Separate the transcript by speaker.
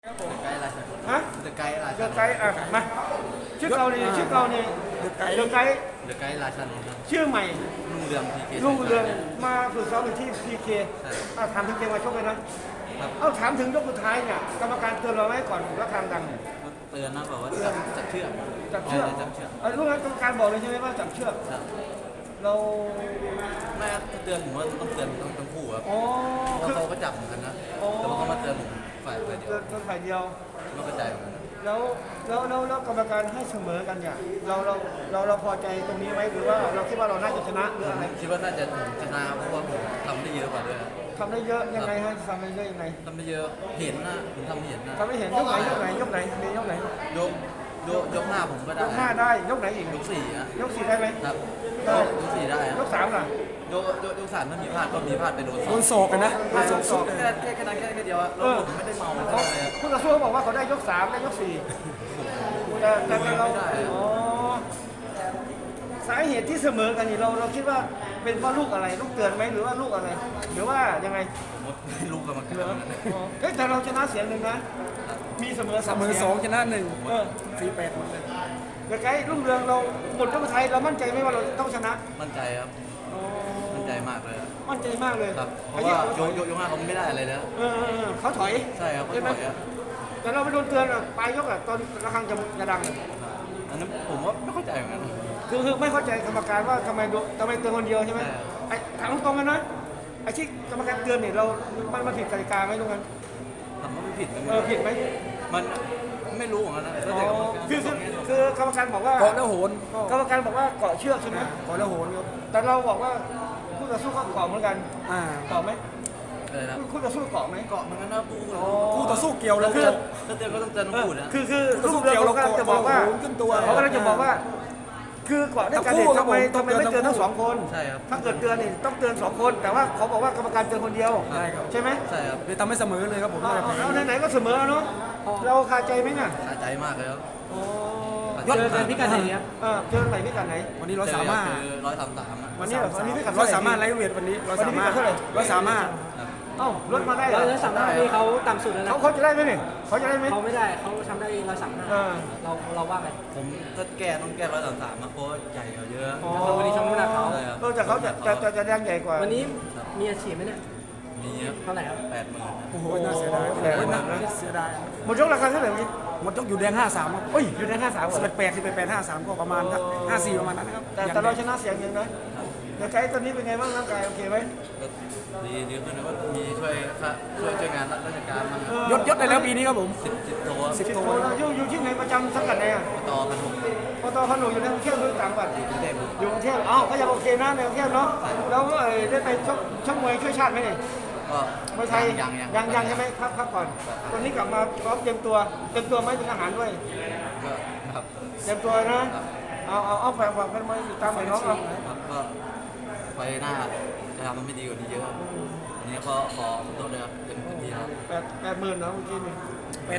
Speaker 1: ครับผม
Speaker 2: ไกด์อะไร
Speaker 1: ฮะ
Speaker 2: เดอะไกด์รา
Speaker 1: เด
Speaker 2: ชั
Speaker 1: อะ
Speaker 2: น
Speaker 1: ไกด์อ่ะมาชื่อเกาหลีชื่อเกาหลี
Speaker 2: เดอะไกด์
Speaker 1: เดอะไกด์
Speaker 2: เดอะไกด์ราชันครับ
Speaker 1: ชื่อใหม่
Speaker 2: รุ่งเรืองพีเค
Speaker 1: ลุงเรืองมาฝึกซ้อมอยู่ที่พีเคถามถึงเกมมาชกเลยนะครับ เอาถามถึงยกสุดท้ายเนี่ยกรรมการเตือนเราไหมก่อนระฆังดังเนี่ย
Speaker 2: เตือนนะบอกว่าจับเชือก
Speaker 1: จับเชือก
Speaker 2: จับเชือก
Speaker 1: ลูกนั้นกรรมการบอกเลยใช่ไหมว่าจับเชือก
Speaker 2: ครับ
Speaker 1: เรา
Speaker 2: ไม่ครับเตือนผมว่าต้องเตือนทั้งคู่ครับ
Speaker 1: อ๋อ
Speaker 2: เพราะ
Speaker 1: คือ
Speaker 2: เขาก็จับเหมือนกันนะแต่ว่าเขามาเตือนผมฝ่ายเดียว
Speaker 1: เตือนฝ่ายเดียว
Speaker 2: ไม่เข้าใจเหมือนกัน
Speaker 1: แล้วกรรมการให้เสมอกันเนี่ยเราพอใจตรงนี้ไหมหรือว่าเราคิดว่าเราน่าจะชนะหรืออะไร
Speaker 2: คิดว่าน่าจะชนะเพราะว่าผมทำได้เยอะกว่าด้วยครับ
Speaker 1: ทำได้เยอะยังไงฮะทำได้เยอะยังไง
Speaker 2: ทำได้เยอะเห็นนะผมทำเห็นนะ
Speaker 1: ทำไม่เห็นยกไหนมียกไหน
Speaker 2: ยกหน้าผมก็
Speaker 1: ย
Speaker 2: ได้
Speaker 1: กห้าได้ยกไหนอีก
Speaker 2: ยกสี่อะ
Speaker 1: ยกสี่ได้ไหม
Speaker 2: ครับ
Speaker 1: ได้
Speaker 2: ยกสี่ได้อะ
Speaker 1: ยกสามล่ะ
Speaker 2: ยกสามถ้ามีพลาดก็มีพลาดไปโดน
Speaker 3: โดนศอกกันนะโดนศอกสุด
Speaker 2: แค่นั้นแค่เดียวอะแล้วผมไม่ได้เมาอะไรเลยอะ
Speaker 1: ผู้ต่อสู้บอกว่าเขาได้ยกสามได้ยกสี่แต่เรา
Speaker 2: ไม่ได้
Speaker 1: อ๋อสาเหตุที่เสมอกันนี่เราคิดว่าเป็นเพราะลูกอะไรลูกเตือนไหมหรือว่าลูกอะไร หรือว่ายังไง
Speaker 2: ผมไม่รู้กรรมการ
Speaker 1: เหรออ๋อเฮ้ยแต่เราชนะเสียงหนึ่งนะมีเสมอ
Speaker 3: เสมอ
Speaker 1: สีย
Speaker 3: สองชนะหนึ่ง
Speaker 1: เออ
Speaker 3: 4-8หมดเลย
Speaker 1: แต่ไกด์รุ่งเรืองเราหมดยกสุดท้ายเรามั่นใจไหมว่าเราต้องชนะ
Speaker 2: มั่นใจครับ
Speaker 1: อ๋อ
Speaker 2: มั่นใจมากเลยอะ
Speaker 1: มั่นใจมากเลย
Speaker 2: ครับเพ
Speaker 1: ไอ้
Speaker 2: ราะ
Speaker 1: ที่
Speaker 2: ว่ายกห้าเขาไม่ได้อะไรแล้ว
Speaker 1: เขาถอย
Speaker 2: ใช่ครับเขา
Speaker 1: ใช่ไหม
Speaker 2: ถอยอะ
Speaker 1: แต่เราไปโดนเตือนอะปลายยกอะตอนระฆังจะดังอะ
Speaker 2: อันนั้นผมว่าไม่เข้าใจเหมือนกัน
Speaker 1: คือไม่เข้าใจกรรมการว่าทำไมเตือนคนเดียวใช่ไหม
Speaker 2: ใช่
Speaker 1: ไอ้ถามตรงๆกันนะไอ้ที่กรรมการเตือนเนี่ยมันผิดกติกาไหมตรงนั้น
Speaker 2: ทำว่าไม่ผิดนะ
Speaker 1: ผิดไหม
Speaker 2: มันไม่รู้ของมันนะแล้ว
Speaker 1: อ๋อ
Speaker 2: แต่กรรมการ
Speaker 1: คือกรรมการบอกว่า
Speaker 3: เกาะแล้วโหน
Speaker 1: กรรมการบอกว่าเกาะเชือกใช่ไหม
Speaker 3: เกาะแล้วโหนครับ
Speaker 1: แต่เราบอกว่าคู่ต่อสู้ก็เกาะเหมือนกัน
Speaker 3: อ่า
Speaker 1: เกาะไหม
Speaker 2: อะไรนะ
Speaker 1: คู่ต่อสู้เกาะไหม
Speaker 2: เกาะเหมือนกันนะปู
Speaker 3: คู่ต่อสู้เกี่ยวแล้ว
Speaker 1: คือ
Speaker 2: ถ้าเตือนก็ต้องเตือนทั้งคู่นะ
Speaker 1: คือลูกเรือเขากำลังจะบอกว่า
Speaker 3: โหนขึ้นตัว
Speaker 1: เขากำลังจะบอกว่า คือเกาะด้วยกันเนี่ย
Speaker 3: ทั้งคู่
Speaker 1: ทำไมไม่เตือนทั้งสองคน
Speaker 2: ใช่ครับ
Speaker 1: ถ้าเกิดเตือนนี่ต้องเตือนสองคน แต่ว่าเขาบอกว่ากรรมการเตือนคนเดียว
Speaker 3: ใช่ครับ
Speaker 1: ใช่ไหม
Speaker 2: ใช่ครับ
Speaker 3: เลยทำให้เสมอเลยครับผม
Speaker 1: เอาไหนๆก็เสมอเนาะเราคาใจไหมน่ะ
Speaker 2: สะใจมากเลยครับ
Speaker 1: โอ้
Speaker 3: ยอด
Speaker 1: เจอกันพิกัดไหนครับเจอกันไหนพิกัดไหน
Speaker 3: วันนี้130
Speaker 2: 133อะ
Speaker 1: วันนี้เหรอวันนี้พิกัด
Speaker 3: 130ไลท์เวทวันนี้
Speaker 1: วันนี้พิกัดเท่าไหร่
Speaker 3: 135
Speaker 2: ครับ
Speaker 1: เอ้าลดมาได้เหรอ
Speaker 4: ร้อยสามห้านี่เขาต่ำสุดแล้วนะ
Speaker 1: เขาจะได้ไหมเนี่ยเขาจะได้ไหม
Speaker 4: เขาไม่ได้เขาทำได้ร้อยสามห้า
Speaker 1: เออ
Speaker 4: เราว่าไง
Speaker 2: ผมถ้าแก้ต้องแก้133นะเพราะว่าใหญ่กว่าเยอะ
Speaker 1: อ๋อ
Speaker 4: แล้ววันนี้ช่องน้ำหนักเขา
Speaker 2: ใช่ครับ
Speaker 1: แต่เขาจะแดงใหญ่กว่า
Speaker 4: วันนี้มีอาชีพไหมเนี่ย
Speaker 2: มีครับ
Speaker 4: เท่าไหร่ครับ
Speaker 2: 80,000
Speaker 3: โอ้โหน่าเสียดายเสียดาย
Speaker 1: หมดยกราคาเท่าไหร่เมื่อกี้
Speaker 3: หมดยกอยู่แดง53ครับเอ้ย
Speaker 1: อยู่ใน53เหรอ
Speaker 3: 18 53ก็ประมาณ54ประมาณนั้นนะครับ
Speaker 1: แต่เราชนะเสียงยังนะเดี๋ยวไกด์ตอนนี้เป็นไงบ้างร่างกายโอเคไหม
Speaker 2: ก็ดีขึ้นนะก็มีช่วยงานราชการมัน
Speaker 3: ยศได้แล้วปีนี้ครับผม
Speaker 2: 10 ตัว
Speaker 1: สิบโทเราอยู่ที่ไหนประจำสังกัดไหนอ่ะ
Speaker 2: ต่อกันผม
Speaker 1: ปตขนมอยู่ในกรุงเทพหรือต่างจังหวัด
Speaker 2: กรุงเทพ
Speaker 1: อยู่กรุงเทพอ้าวก็ยังโอเคนะในกรุงเทพเนาะแล้วก็ได้ไปชกมวยช่วยชาติไหมเนี่ย
Speaker 2: ก็
Speaker 1: มวยไทย
Speaker 2: ยัง
Speaker 1: ใช่ไหมพักก่อนวันนี้กลับมาพร้อมเตรียมตัวไหมเป็นทหารด้วย
Speaker 2: ก็ครับ
Speaker 1: เตรียมตัวนะเอาฝากกันมาติดตามหน่อยน้องเอา
Speaker 2: ครับก็ไปหน้าจะทำมันไม่ดีกว่านี้เยอะครับวันนี้ก็ขอโทษด้วยครับเป็นที่ครับ
Speaker 1: 80,000เนาะเมื่อกี้นี่